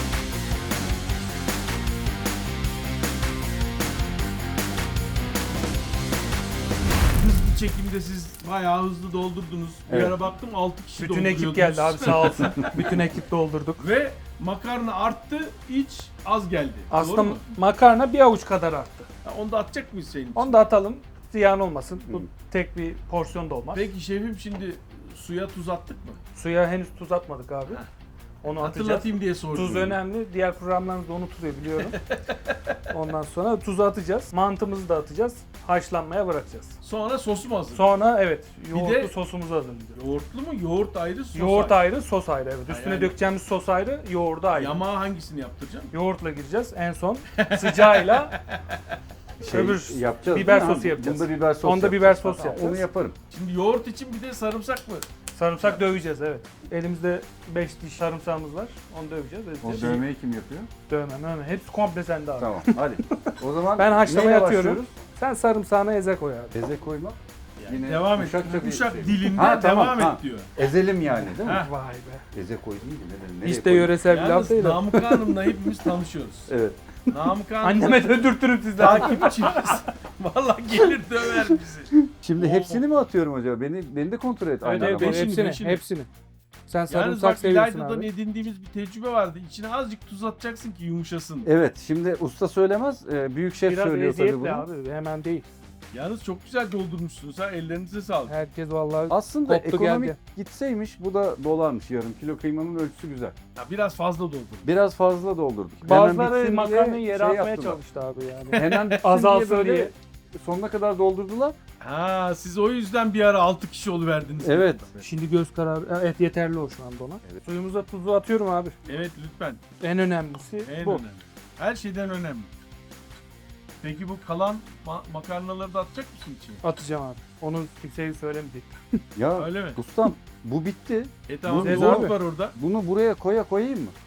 Speaker 3: Hızlı çekimde siz bayağı hızlı doldurdunuz. Bir
Speaker 1: Evet.
Speaker 3: ara baktım altı kişi
Speaker 2: Bütün ekip
Speaker 3: dolduruyordunuz.
Speaker 2: geldi abi sağ olsun. Bütün ekip doldurduk.
Speaker 3: Ve makarna arttı, iç az geldi.
Speaker 2: Aslında
Speaker 3: Doğru mu?
Speaker 2: makarna bir avuç kadar arttı.
Speaker 3: Ha, onu da atacak mıyız senin için?
Speaker 2: Onu da atalım. Ziyan olmasın. Bu
Speaker 1: Hı.
Speaker 2: tek bir porsiyon da olmaz.
Speaker 3: Peki şefim şimdi suya tuz attık mı?
Speaker 2: Suya henüz tuz atmadık abi.
Speaker 3: Heh.
Speaker 2: Onu atacağız.
Speaker 3: Hatırlatayım diye sordum.
Speaker 2: Tuz önemli. Diğer programlarımızda unutuyor biliyorum. Ondan sonra tuzu atacağız. Mantımızı da atacağız. Haşlanmaya bırakacağız.
Speaker 3: Sonra sosu mu hazır?
Speaker 2: Sonra evet yoğurtlu
Speaker 3: de-
Speaker 2: sosumuzu hazırlayacağız.
Speaker 3: Yoğurtlu mu? Yoğurt ayrı, sos
Speaker 2: Yoğurt
Speaker 3: ayrı.
Speaker 2: ayrı, sos ayrı evet.
Speaker 3: Ha,
Speaker 2: Üstüne
Speaker 3: yani-
Speaker 2: dökeceğimiz sos ayrı, yoğurdu ayrı.
Speaker 3: Yamağa hangisini yaptıracaksın?
Speaker 2: Yoğurtla gireceğiz en son. Sıcağıyla
Speaker 1: Şey
Speaker 2: öbür
Speaker 1: yapacağız.
Speaker 2: biber
Speaker 1: değil mi?
Speaker 2: sosu yapacağız.
Speaker 1: Bunda biber sos
Speaker 2: Onda
Speaker 1: yapacağız.
Speaker 2: biber sos
Speaker 1: Tamam,
Speaker 2: yapacağız.
Speaker 1: Onu yaparım.
Speaker 3: Şimdi yoğurt için bir de sarımsak mı?
Speaker 2: sarımsak döveceğiz evet. Elimizde beş diş sarımsağımız var. Onu döveceğiz.
Speaker 1: O
Speaker 2: edeceğiz.
Speaker 1: dövmeyi kim yapıyor?
Speaker 2: Dövme, dövme. Hepsi komple sende abi.
Speaker 1: Tamam hadi. O zaman
Speaker 2: Ben haşlamaya
Speaker 1: neyle
Speaker 2: atıyorum.
Speaker 1: başlıyoruz?
Speaker 2: Sen sarımsağına eze koy abi.
Speaker 1: Eze koymak. Yine
Speaker 3: devam et.
Speaker 1: uşakça bir
Speaker 3: Uşak
Speaker 1: şey.
Speaker 3: dilinde
Speaker 1: Ha, tamam,
Speaker 3: devam
Speaker 1: ha.
Speaker 3: et diyor.
Speaker 1: Ezelim yani değil mi?
Speaker 3: Ha.
Speaker 2: Vay be.
Speaker 1: Eze koy değil mi? Ne, nereye
Speaker 2: Hiç de
Speaker 1: koyayım?
Speaker 2: yöresel bir laf
Speaker 3: Yalnız
Speaker 2: değil o.
Speaker 3: Namık Hanım'la hepimiz tanışıyoruz.
Speaker 1: Evet.
Speaker 3: Namık Han
Speaker 2: Anneme döndürtürüm sizden.
Speaker 3: takipçimiz. Vallahi gelir döver bizi.
Speaker 1: Şimdi hepsini mi atıyorum acaba? Beni beni de kontrol et.
Speaker 2: Evet,
Speaker 1: aynı
Speaker 2: evet,
Speaker 1: arabada.
Speaker 3: beşini,
Speaker 2: hepsini,
Speaker 3: beşini.
Speaker 2: hepsini. Sen
Speaker 3: Yalnız
Speaker 2: sarımsak
Speaker 3: bak
Speaker 2: seviyorsun
Speaker 3: İlayda'dan
Speaker 2: abi.
Speaker 3: edindiğimiz bir tecrübe vardı. İçine azıcık tuz atacaksın ki yumuşasın.
Speaker 1: Evet, şimdi usta söylemez, e, büyük şef
Speaker 2: Biraz
Speaker 1: söylüyor tabii
Speaker 2: eziyetli
Speaker 1: bunu.
Speaker 2: abi, hemen değil.
Speaker 3: Yalnız çok güzel doldurmuşsunuz ha. Ellerinize sağlık.
Speaker 2: Herkes vallahi
Speaker 1: Aslında
Speaker 2: Koptu
Speaker 1: ekonomik
Speaker 2: geldi.
Speaker 1: gitseymiş bu da dolarmış yarım kilo kıymanın ölçüsü güzel.
Speaker 3: Ya biraz fazla doldur.
Speaker 1: Biraz fazla doldurduk. Hemen
Speaker 2: bazıları
Speaker 1: bitsin
Speaker 2: makarnayı
Speaker 1: diye
Speaker 2: yere
Speaker 1: şey
Speaker 2: atmaya
Speaker 1: yaptılar.
Speaker 2: çalıştı abi yani.
Speaker 1: Hemen bitsin
Speaker 2: Azalsın
Speaker 1: diye böyle
Speaker 2: diye.
Speaker 1: sonuna kadar doldurdular.
Speaker 3: Ha siz o yüzden bir ara altı kişi oluverdiniz.
Speaker 1: Evet.
Speaker 2: Şimdi göz kararı, evet yeterli o şu anda ona.
Speaker 1: Evet.
Speaker 2: Suyumuza tuzu atıyorum abi.
Speaker 3: Evet lütfen.
Speaker 2: En önemlisi
Speaker 3: En
Speaker 2: bu.
Speaker 3: önemli. Her şeyden önemli. Peki bu kalan ma- makarnaları da atacak mısın içine?
Speaker 2: Atacağım abi. Onu kimseye söylemeyecek.
Speaker 1: Ya
Speaker 3: Öyle mi?
Speaker 1: ustam bu bitti.
Speaker 3: E tamam
Speaker 1: Bu-
Speaker 3: zor
Speaker 2: abi.
Speaker 3: var orada.
Speaker 1: Bunu buraya koya koyayım mı?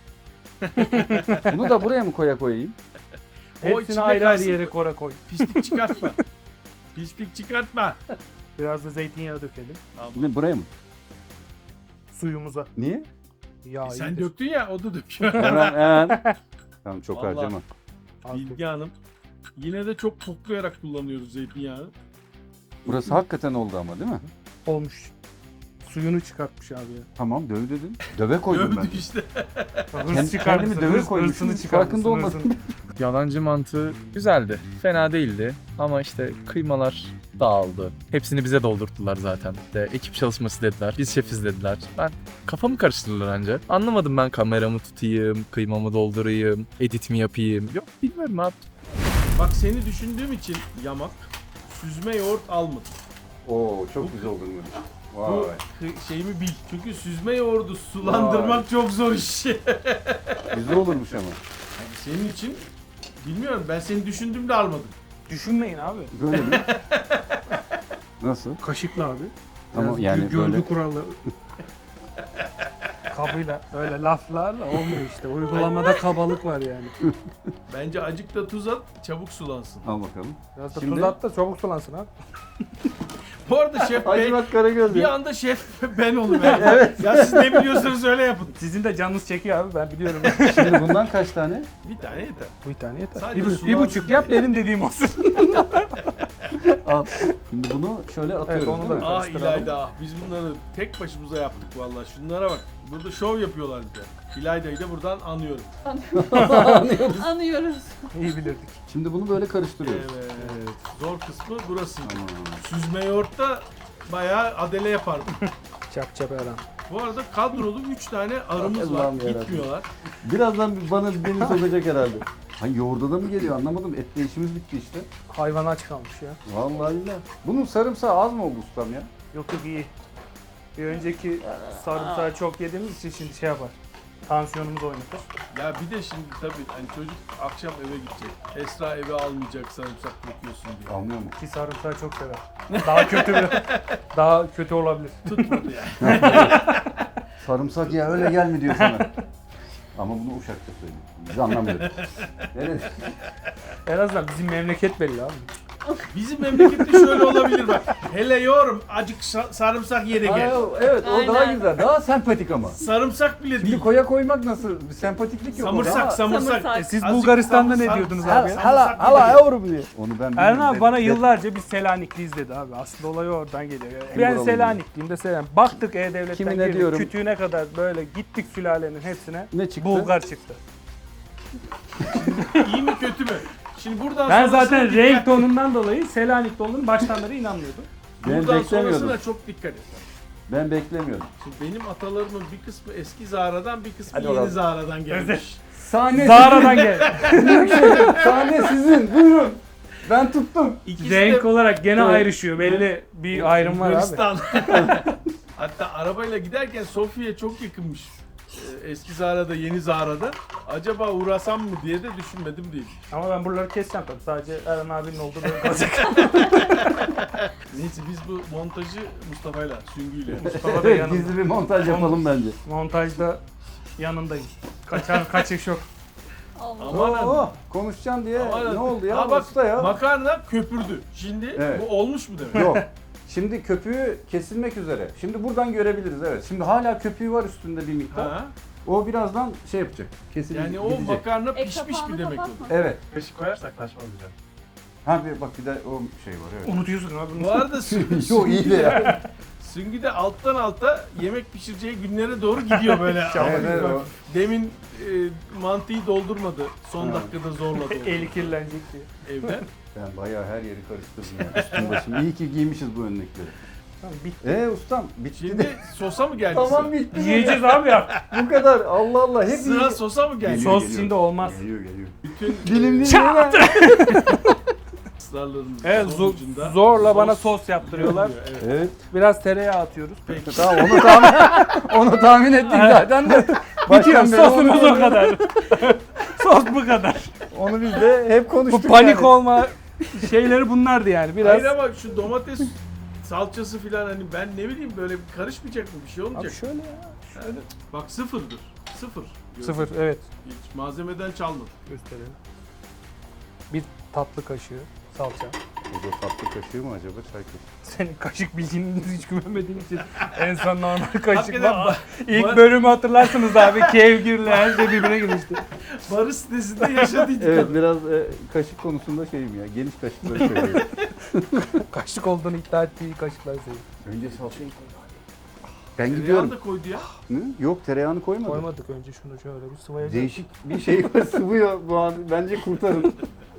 Speaker 1: Bunu da buraya mı koya koyayım?
Speaker 3: O
Speaker 2: Hepsini
Speaker 3: içinde
Speaker 2: ayrı ayrı
Speaker 3: kalsın.
Speaker 2: yere kora koy.
Speaker 3: Pislik çıkartma. Pislik çıkartma.
Speaker 2: Biraz da zeytinyağı dökelim.
Speaker 1: Ne buraya mı?
Speaker 2: Suyumuza.
Speaker 1: Niye?
Speaker 2: Yağ
Speaker 3: E sen
Speaker 2: iyidir.
Speaker 3: döktün ya o da döküyor.
Speaker 1: Hemen hemen. Tamam çok
Speaker 3: Vallahi.
Speaker 1: harcama.
Speaker 2: Az dök.
Speaker 3: Bilge Hanım. Yine de çok koklayarak kullanıyoruz zeytinyağını.
Speaker 1: Burası hakikaten oldu ama değil mi?
Speaker 2: Olmuş. Suyunu çıkartmış abi ya.
Speaker 1: Tamam döv dedin. Döve koydum ben.
Speaker 3: Dövdük işte.
Speaker 1: Kend-
Speaker 2: Hırs çıkarmışsın.
Speaker 1: kendimi döve
Speaker 2: hırs-
Speaker 1: koymuşum,
Speaker 2: hırsını
Speaker 1: hiç
Speaker 2: çıkarmışsın,
Speaker 1: farkında olmadım.
Speaker 2: hırsını.
Speaker 6: Yalancı mantığı güzeldi. Fena değildi. Ama işte kıymalar dağıldı. Hepsini bize doldurttular zaten. De ekip çalışması dediler. Biz şefiz dediler. Ben kafamı karıştırdılar anca. Anlamadım ben kameramı tutayım, kıymamı doldurayım, edit mi yapayım. Yok bilmiyorum abi.
Speaker 3: Bak seni düşündüğüm için yamak süzme yoğurt almadım.
Speaker 1: Oo çok güzel oldu.
Speaker 3: Bu
Speaker 1: Vay.
Speaker 3: kı- şeyimi bil. Çünkü süzme yoğurdu sulandırmak çok zor iş.
Speaker 1: Güzel olurmuş ama.
Speaker 3: Yani senin için bilmiyorum ben seni düşündüğümde almadım.
Speaker 2: Düşünmeyin abi.
Speaker 1: Böyle mi? Nasıl?
Speaker 2: Kaşıkla abi.
Speaker 1: Tamam,
Speaker 2: Biraz
Speaker 1: yani
Speaker 2: gö- görgü
Speaker 1: böyle-
Speaker 2: kuralları. Kabıyla öyle laflarla olmuyor işte. Uygulamada kabalık var yani.
Speaker 3: Bence acık da tuz at çabuk sulansın.
Speaker 1: Al bakalım.
Speaker 2: Biraz da
Speaker 1: Şimdi-
Speaker 2: tuz at da çabuk sulansın abi.
Speaker 3: Bu arada şef bey
Speaker 1: Hacivat Karagöz
Speaker 3: bir
Speaker 1: ya.
Speaker 3: anda şef ben oluverdim. Evet. Ya siz ne biliyorsanız öyle yapın.
Speaker 2: Sizin de canınız çekiyor abi ben biliyorum.
Speaker 1: Şimdi bundan kaç tane?
Speaker 3: Bir tane yeter.
Speaker 2: Bir tane yeter.
Speaker 3: Sadece
Speaker 2: Bir, bu-
Speaker 3: sulansın
Speaker 2: bir buçuk yap benim dediğim olsun.
Speaker 1: Al. Şimdi bunu şöyle atıyoruz
Speaker 2: onu da-
Speaker 1: değil mi?
Speaker 3: Ah
Speaker 2: Karıştıralım.
Speaker 3: İlayda ah biz bunları tek başımıza yaptık vallahi. Şunlara bak. Burada şov yapıyorlar bize. İlayda'yı da buradan anıyorum.
Speaker 7: Anıyoruz.
Speaker 2: İyi bilirdik.
Speaker 1: Şimdi bunu böyle karıştırıyoruz.
Speaker 3: Evet. Zor kısmı burası.
Speaker 1: Tamam.
Speaker 3: Süzme yoğurtta bayağı adele yapardım.
Speaker 2: Çap çap Eren.
Speaker 3: Bu arada kadrolu üç tane arımız var.
Speaker 1: Allah'ım yarabbim.
Speaker 3: Gitmiyorlar.
Speaker 1: Birazdan bana beni sokacak herhalde. Hayır yoğurda da mı geliyor anlamadım. Etle işimiz bitti işte.
Speaker 2: Hayvan aç kalmış ya.
Speaker 1: Vallahi billahi. Bunun sarımsağı az mı oldu ustam ya?
Speaker 2: Yok yok iyi. Bir önceki sarımsağı çok yediğimiz için şimdi şey yapar. Tansiyonumuz oynatır.
Speaker 3: Ya bir de şimdi tabii hani çocuk akşam eve gidecek. Esra eve almayacak sarımsak bırakıyorsun diye.
Speaker 1: Anlıyor musun?
Speaker 2: Ki sarımsağı çok sever. Daha kötü bir, daha kötü olabilir.
Speaker 3: Tutmadı yani.
Speaker 1: Sarımsak ya öyle gelme diyor sana. Ama bunu Uşak'ta söylüyor. Biz anlamıyoruz. Evet.
Speaker 2: En azından bizim memleket belli abi.
Speaker 3: Bizim memlekette şöyle olabilir bak. Hele yorum acık sa- sarımsak yere gel.
Speaker 1: Aa, evet o daha
Speaker 7: Aynen.
Speaker 1: güzel. Daha sempatik ama.
Speaker 3: Sarımsak bile
Speaker 1: Şimdi
Speaker 3: değil.
Speaker 1: koya koymak nasıl? Bir sempatiklik yok. orada
Speaker 3: Samırsak,
Speaker 1: ama-
Speaker 3: samırsak.
Speaker 7: Samırsak.
Speaker 2: E siz
Speaker 3: Azıcık
Speaker 2: Bulgaristan'da ne
Speaker 3: sarımsak-
Speaker 2: diyordunuz
Speaker 3: sarımsak-
Speaker 2: abi?
Speaker 3: sarımsak bile
Speaker 1: Hala
Speaker 3: değil.
Speaker 1: yavrum diye. Onu ben
Speaker 2: Erhan
Speaker 1: bilmiyorum.
Speaker 2: abi bana
Speaker 1: De-
Speaker 2: yıllarca biz Selanikliyiz dedi abi. Aslında olay oradan geliyor. Yani.
Speaker 1: Kim
Speaker 2: Ben
Speaker 1: buralı
Speaker 2: Selanikliyim de Selanik. Baktık E-Devlet'ten
Speaker 1: Kimine
Speaker 2: girdik.
Speaker 1: diyorum?
Speaker 2: Kütüğüne kadar böyle gittik sülalenin hepsine.
Speaker 1: Ne çıktı?
Speaker 2: Bulgar çıktı.
Speaker 3: İyi mi kötü mü? Şimdi buradan
Speaker 2: Ben
Speaker 3: sonrasına
Speaker 2: zaten
Speaker 3: dikkat-
Speaker 2: renk tonundan dolayı Selanik'te olduğunu baştan beri inanmıyordum.
Speaker 1: Ben
Speaker 3: Buradan
Speaker 1: beklemiyordum.
Speaker 3: sonrasına çok dikkat et.
Speaker 1: Ben beklemiyordum.
Speaker 3: Şimdi benim atalarımın bir kısmı eski Zara'dan bir kısmı
Speaker 1: Hadi
Speaker 3: yeni
Speaker 1: bakalım.
Speaker 3: Zara'dan gelmiş.
Speaker 1: Sahne
Speaker 2: Zara'dan gel.
Speaker 1: sizin. Sahne sizin. Buyurun. Ben tuttum.
Speaker 3: İkisi
Speaker 2: Renk
Speaker 3: de
Speaker 2: olarak gene
Speaker 1: Evet.
Speaker 2: ayrışıyor. Belli bir ayrım var abi.
Speaker 3: Bulgaristan. Hatta arabayla giderken Sofya'ya çok yakınmış. Ee, Eski Zara'da, yeni Zara'da. Acaba uğrasam mı diye de düşünmedim değil.
Speaker 2: Ama ben buraları keseceğim tabii. Sadece Erhan abinin olduğu böyle kalacak.
Speaker 3: Neyse biz bu montajı Mustafa'yla, Süngü'yle.
Speaker 2: Mustafa da
Speaker 1: Evet,
Speaker 2: yanında.
Speaker 1: gizli bir montaj yapalım bence.
Speaker 2: Montajda yanındayım. Kaçar kaçış yok.
Speaker 7: Allah.
Speaker 3: Aman
Speaker 1: Oo, konuşacağım diye
Speaker 3: Aman
Speaker 1: ne oldu ya?
Speaker 3: Ha bak,
Speaker 1: Usta ya.
Speaker 3: makarna köpürdü. Şimdi
Speaker 1: Evet.
Speaker 3: bu olmuş mu demek?
Speaker 1: Yok. Şimdi köpüğü kesilmek üzere. Şimdi buradan görebiliriz evet. Şimdi hala köpüğü var üstünde bir miktar.
Speaker 3: Ha?
Speaker 1: O birazdan şey yapacak. Kesinlikle
Speaker 3: Yani o
Speaker 1: gidecek.
Speaker 3: makarna
Speaker 5: Ek
Speaker 3: pişmiş
Speaker 5: kapağını
Speaker 3: bir demek
Speaker 5: kapatma.
Speaker 3: olur.
Speaker 1: Evet.
Speaker 6: Kaşık koyarsak taşmayacak.
Speaker 1: Ha bir bak bir de o şey var evet.
Speaker 2: Unutuyorsun abi.
Speaker 3: Bu arada Süngü,
Speaker 1: Yo iyi de ya.
Speaker 3: Süngü de alttan alta yemek pişireceği günlere doğru gidiyor böyle.
Speaker 1: Evet, evet, o-
Speaker 3: Demin e, mantıyı doldurmadı. Son
Speaker 1: Ha.
Speaker 3: dakikada zorladı.
Speaker 2: Eli kirlenecek diye.
Speaker 3: Evde.
Speaker 1: Ben bayağı her yeri karıştırdım ya. Üstüm başım. İyi ki giymişiz bu önlükleri.
Speaker 2: Tamam bitti.
Speaker 1: Eee ustam bitti
Speaker 3: Şimdi
Speaker 1: de.
Speaker 3: sosa mı geldi
Speaker 1: Tamam
Speaker 3: sıra?
Speaker 1: bitti.
Speaker 2: Yiyeceğiz abi ya.
Speaker 1: Bu kadar. Allah Allah. Hep
Speaker 3: Sıra
Speaker 1: iyi-
Speaker 3: sosa mı geldi?
Speaker 2: Sos içinde olmaz.
Speaker 1: Geliyor geliyor.
Speaker 3: Bütün
Speaker 1: Dilim
Speaker 2: Çat!
Speaker 3: ısrarların
Speaker 2: Evet zo-
Speaker 3: sonucunda
Speaker 2: zorla bana
Speaker 3: sos
Speaker 2: sos yaptırıyorlar.
Speaker 3: oluyor, evet.
Speaker 1: Evet.
Speaker 2: Biraz tereyağı atıyoruz.
Speaker 3: Peki.
Speaker 1: Tamam onu tahmin onu tahmin ettik zaten de.
Speaker 2: Bitiyor
Speaker 1: Baştan beri
Speaker 2: sosumuz
Speaker 1: onu-
Speaker 2: o kadar. Sos bu kadar.
Speaker 1: Onu biz de hep
Speaker 2: Bu
Speaker 1: konuştuk
Speaker 2: panik
Speaker 1: yani.
Speaker 2: olma şeyleri bunlardı yani biraz.
Speaker 3: Hayır ama şu domates salçası filan hani ben ne bileyim böyle karışmayacak mı bir şey olmayacak.
Speaker 2: Abi şöyle ya.
Speaker 3: Yani bak sıfırdır. Sıfır.
Speaker 2: Sıfır evet.
Speaker 3: Hiç malzemeden çalmadı.
Speaker 2: Gösterelim. Bir tatlı kaşığı salça.
Speaker 1: O da tatlı kaşığı mı acaba çay kaşığı?
Speaker 2: Senin kaşık bildiğini hiç güvenmediğim için en son normal
Speaker 3: Hakikaten
Speaker 2: kaşıkla.
Speaker 3: ba-
Speaker 2: İlk
Speaker 3: ba-
Speaker 2: bölümü hatırlarsınız abi. Kevgirle her şey birbirine girmişti.
Speaker 3: Barış sitesinde yaşadıydık.
Speaker 1: Evet biraz e, kaşık konusunda şeyim ya. Geniş kaşıkları seviyorum.
Speaker 2: Kaşık olduğunu iddia ettiği kaşıklar seviyorum.
Speaker 1: Önce salçayı koy. Ben
Speaker 3: Tereyağını
Speaker 1: gidiyorum.
Speaker 3: da koydu ya.
Speaker 1: Hı? Yok tereyağını koymadım.
Speaker 2: Koymadık önce şunu şöyle bir sıvayacağız.
Speaker 1: Değişik bir şey var sıvıyor bu an. Bence kurtarın.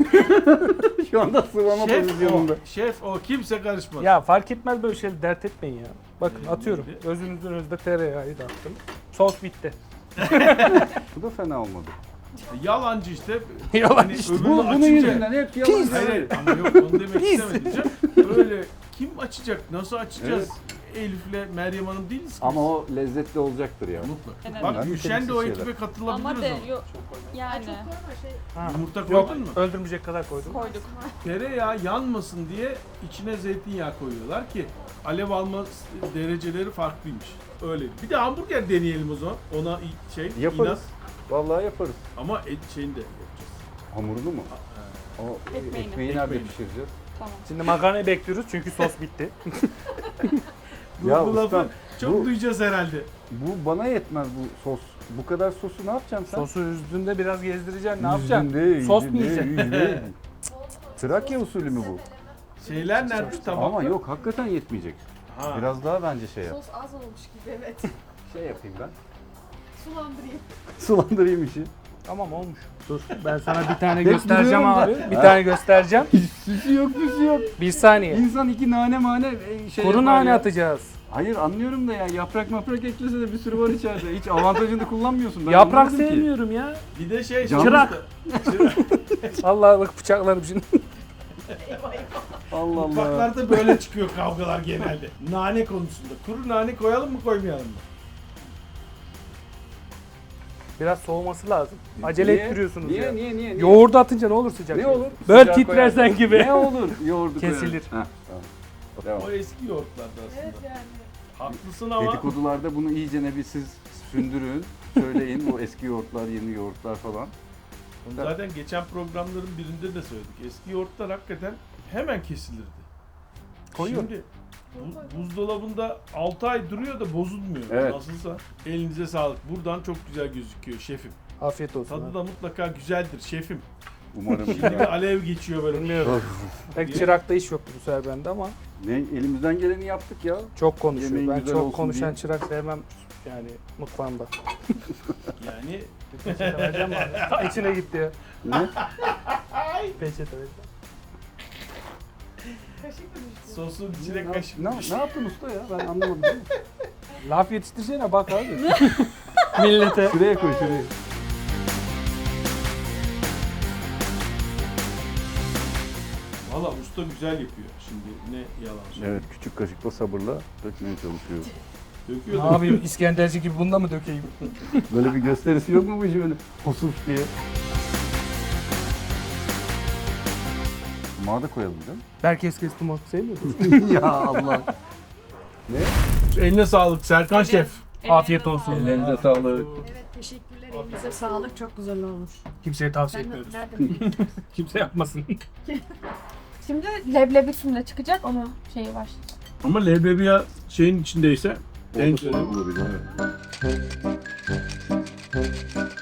Speaker 1: Şu anda sıvama
Speaker 3: Şef
Speaker 1: pozisyonunda.
Speaker 3: o, şef o kimse karışmaz.
Speaker 2: Ya fark etmez böyle şeyleri dert etmeyin ya. Bakın
Speaker 3: Ee,
Speaker 2: atıyorum.
Speaker 3: neydi?
Speaker 2: Gözünüzün önünde tereyağı da attım. Sos bitti.
Speaker 1: Bu da fena olmadı.
Speaker 3: Yalancı işte.
Speaker 2: Yalan
Speaker 3: Hani
Speaker 2: işte.
Speaker 3: öbürünü
Speaker 1: Bu, bunun
Speaker 3: açınca-
Speaker 1: yüzünden hep yalan.
Speaker 3: Hayır hayır ama yok onu demek
Speaker 2: Pis.
Speaker 3: istemedim canım. Öyle kim açacak? Nasıl açacağız? Elif'le Meryem Hanım değiliz ki.
Speaker 1: Ama o lezzetli olacaktır ya.
Speaker 3: Mutlaka.
Speaker 7: Evet.
Speaker 3: Bak
Speaker 1: Önemli
Speaker 3: Gülşen de o
Speaker 1: şeyler.
Speaker 3: ekibe katılabilir
Speaker 7: Ama
Speaker 3: o
Speaker 7: de
Speaker 3: zaman.
Speaker 7: yok yani
Speaker 2: Ha.
Speaker 3: Yumurta
Speaker 2: Yok
Speaker 3: koydun mu?
Speaker 2: öldürmeyecek kadar koydum.
Speaker 7: koyduk.
Speaker 3: Tereyağı yanmasın diye içine zeytinyağı koyuyorlar ki alev alma dereceleri farklıymış. Öyle. Bir de hamburger deneyelim o zaman. Ona i- şey
Speaker 1: Yaparız.
Speaker 3: inat
Speaker 1: Vallahi yaparız.
Speaker 3: ama et şeyini de yapacağız.
Speaker 1: Hamurunu mu? O
Speaker 7: Ekmeğini.
Speaker 1: ekmeği nerede
Speaker 3: Ekmeğini.
Speaker 1: pişireceğiz?
Speaker 7: Tamam.
Speaker 2: Şimdi makarnayı bekliyoruz çünkü sos bitti.
Speaker 3: Bu,
Speaker 1: Ya
Speaker 3: bu lafı
Speaker 1: ustam,
Speaker 3: çok
Speaker 1: bu-
Speaker 3: duyacağız herhalde.
Speaker 1: Bu bana yetmez bu sos. Bu kadar sosu ne yapacaksın sen?
Speaker 2: Sosu üzdüğünde biraz gezdireceksin. Ne yapacaksın?
Speaker 1: Yüzünde,
Speaker 2: Sos mu
Speaker 1: yüzünde,
Speaker 2: yiyeceksin?
Speaker 1: yüzünde. Trakya usulü mü bu?
Speaker 3: Şeyler nerede tamam.
Speaker 1: Ama yok hakikaten yetmeyecek.
Speaker 3: Ha.
Speaker 1: Biraz daha bence şey yap.
Speaker 5: Sos az olmuş gibi evet.
Speaker 1: Şey yapayım ben.
Speaker 5: Sulandırayım.
Speaker 1: Sulandırayım işi.
Speaker 2: Tamam olmuş. Dur ben sana bir tane
Speaker 1: Hep
Speaker 2: göstereceğim
Speaker 1: biliyorum
Speaker 2: abi.
Speaker 1: ben.
Speaker 2: Bir
Speaker 1: Ha.
Speaker 2: tane göstereceğim.
Speaker 1: Süsü yok süsü yok.
Speaker 2: Bir saniye.
Speaker 1: İnsan iki nane mane e, şey
Speaker 2: Kuru
Speaker 1: yapar
Speaker 2: nane
Speaker 1: ya.
Speaker 2: atacağız.
Speaker 1: Hayır anlıyorum da ya yaprak maprak eklese de bir sürü var içeride. Hiç avantajını kullanmıyorsun. Ben
Speaker 2: Yaprak
Speaker 1: anlamadım ki.
Speaker 2: sevmiyorum ya.
Speaker 3: Bir de şey
Speaker 1: Canlı-
Speaker 2: Çırak. Allah bak bıçaklarım şimdi.
Speaker 1: Allah Allah.
Speaker 3: Mutfaklarda böyle çıkıyor kavgalar genelde. Nane konusunda. Kuru nane koyalım mı koymayalım mı?
Speaker 2: Biraz soğuması lazım. Acele
Speaker 1: Niye?
Speaker 2: ettiriyorsunuz
Speaker 1: niye,
Speaker 2: ya.
Speaker 1: Niye niye niye?
Speaker 2: Yoğurdu atınca ne olur sıcak?
Speaker 1: Ne
Speaker 2: şey?
Speaker 1: olur?
Speaker 2: Böyle
Speaker 1: Sıcağı
Speaker 2: titresen
Speaker 1: koyarsın.
Speaker 2: gibi.
Speaker 1: Ne olur? Yoğurdu
Speaker 2: Kesilir.
Speaker 1: koyarsın. Heh, tamam. Devam.
Speaker 3: O eski yoğurtlarda aslında.
Speaker 5: Evet yani.
Speaker 3: Haklısın ama
Speaker 1: Dedikodularda bunu iyice ne bir siz sündürün. Söyleyin bu eski yoğurtlar, yeni yoğurtlar falan.
Speaker 3: Onu zaten geçen programların birinde de söyledik. Eski yoğurtlar hakikaten hemen kesilirdi.
Speaker 2: Koyuyorum.
Speaker 3: Şimdi bu- buzdolabında altı ay duruyor da bozulmuyor.
Speaker 1: Evet.
Speaker 3: Nasılsa elinize sağlık. Buradan çok güzel gözüküyor şefim.
Speaker 2: Afiyet olsun.
Speaker 3: Tadı da mutlaka güzeldir şefim.
Speaker 1: Umarım.
Speaker 3: Şimdi bir alev geçiyor böyle.
Speaker 2: Bilmiyorum. Pek çırakta iş yoktu bu sefer bende ama
Speaker 1: ne elimizden geleni yaptık ya.
Speaker 2: çok konuşuyor.
Speaker 1: Yemeğin
Speaker 2: Ben
Speaker 1: güzel
Speaker 2: çok
Speaker 1: olsun
Speaker 2: konuşan
Speaker 1: diye.
Speaker 2: çırak sevmem yani mutfağımda.
Speaker 3: Yani
Speaker 2: Peçete vereceğim mi abi? Ta içine gitti ya.
Speaker 1: Ne?
Speaker 2: Peçete vereceğim.
Speaker 5: Kaşık mı düştü?
Speaker 3: sosun içine
Speaker 1: ne,
Speaker 3: kaşık.
Speaker 1: ne, ne yaptın usta ya? Ben anlamadım. Değil mi?
Speaker 2: Laf yetiştirsene bak abi. Millete.
Speaker 1: Şuraya koy şuraya.
Speaker 3: Valla usta güzel yapıyor. Şimdi ne yalan söyleyeyim.
Speaker 1: Evet küçük kaşıkla sabırla dökmeye çalışıyor.
Speaker 3: Döküyor
Speaker 2: Ne
Speaker 3: da.
Speaker 2: yapayım İskenderci gibi bunda mı dökeyim?
Speaker 1: Böyle bir gösterisi yok mu bu işin böyle hosuf diye? Sumağı da koyalım değil mi?
Speaker 2: Herkes kestim o sevmiyor musun?
Speaker 1: ya Allah.
Speaker 3: Eline sağlık Serkan Şef.
Speaker 2: Afiyet olsun.
Speaker 1: Ellerinize sağlık.
Speaker 5: Evet teşekkürler. Elinize sağlık. Çok güzel olmuş.
Speaker 2: Kimseye tavsiye
Speaker 5: Ben
Speaker 2: etmiyoruz.
Speaker 5: nereden
Speaker 2: Kimse yapmasın.
Speaker 4: Şimdi leblebi üstünde çıkacak onun şeyi var.
Speaker 3: Ama leblebi ya şeyin içindeyse en
Speaker 1: Olabilir.
Speaker 3: Tamam.